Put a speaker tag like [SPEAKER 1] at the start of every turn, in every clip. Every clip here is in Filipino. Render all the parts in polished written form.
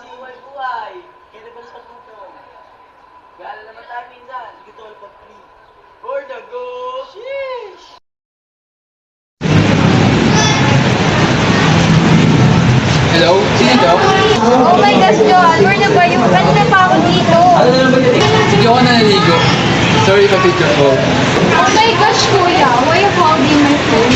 [SPEAKER 1] klaseng buhay-buhay. Kaya naman sa tutong. Gala naman tayo minsan. Sige tol, pag free. For the go! Sheesh!
[SPEAKER 2] Hello? Sino to?
[SPEAKER 3] Oh my gosh, Joel, where na ba yung kanina pa ako dito?
[SPEAKER 2] Hindi ako naliligo. Sorry for picture call.
[SPEAKER 3] Oh my gosh, kuya, why you holding my phone?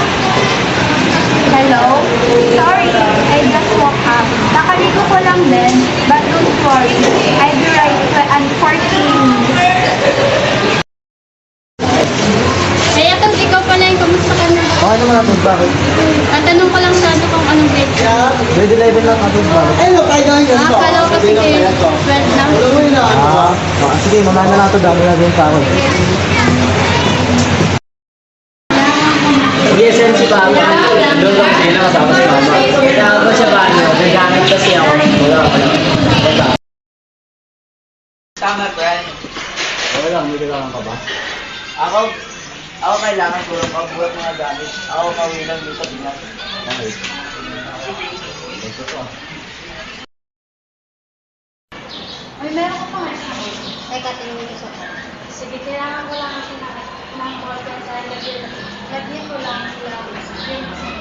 [SPEAKER 3] Hello? Sorry, I just woke up. Nakaligo ko lang din, but don't worry. I'll be right and 14 minutes. Kaya kung ikaw pala yung kamusta ka na?
[SPEAKER 4] Okay naman natin, bakit?
[SPEAKER 3] Ang tanong ko lang sana kung anong grade ka.
[SPEAKER 4] Grade 11 lang natin, bakit?
[SPEAKER 3] Akala ko kasi 12 lang.
[SPEAKER 4] Sige, mamaya na lang ito, dami na din sa akin.
[SPEAKER 1] DSM si Papa. Doon lang sila kasama si Mama. Kaya ako siya ba, nagamit kasi ako. Wala. Tama, friend.
[SPEAKER 4] Okay lang, hindi kailangan ka ba?
[SPEAKER 1] Ako kailangan ko lang pagbuhat mga gamit. Ako kawi lang dito sa Pinas.
[SPEAKER 4] Okay. Ito to.
[SPEAKER 3] Ay, meron ko pa nga. Teka, tingin ko sa sige, kailangan ko lang kasi ng organ sa lagyan ko lang.